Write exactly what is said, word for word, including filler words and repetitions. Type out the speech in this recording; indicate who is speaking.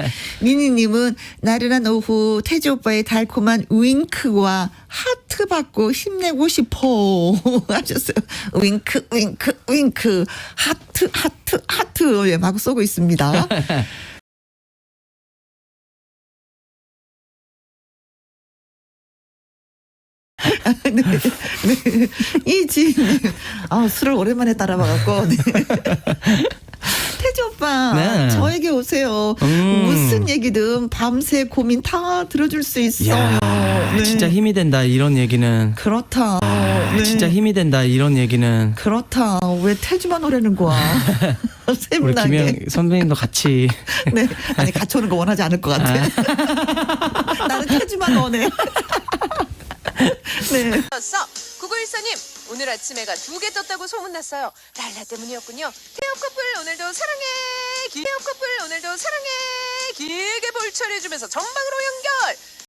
Speaker 1: 미니님은 나른한 오후 태주 오빠의 달콤한 윙크와 하트 받고 힘내고 싶어 하셨어요. 윙크 윙크 윙크 하트 하트 하트 예, 막 쏘고 있습니다. 네, 네. 이 지인님, 아, 술을 오랜만에 따라봐갖고, 네. 태주 오빠,
Speaker 2: 네.
Speaker 1: 저에게 오세요.
Speaker 2: 음.
Speaker 1: 무슨 얘기든 밤새 고민 다 들어줄 수 있어요.
Speaker 2: 야,
Speaker 1: 네.
Speaker 2: 진짜 힘이 된다 이런 얘기는.
Speaker 1: 그렇다.
Speaker 2: 아,
Speaker 1: 네.
Speaker 2: 진짜 힘이 된다 이런 얘기는.
Speaker 1: 그렇다. 왜 태주만 오라는 거야?
Speaker 2: 우리
Speaker 1: 샘나게.
Speaker 2: 김영 선배님도 같이.
Speaker 1: 네. 아니, 같이 오는 거 원하지 않을 것 같아.
Speaker 2: 아.
Speaker 1: 나는 태주만 원해. 네.
Speaker 3: 구구일사님 오늘 아침 해가 두 개 떴다고 소문났어요. 랄라 때문이었군요. 태엽 커플 오늘도 사랑해. 태엽 커플 오늘도 사랑해. 길게 볼처리해주면서 전방으로 연결.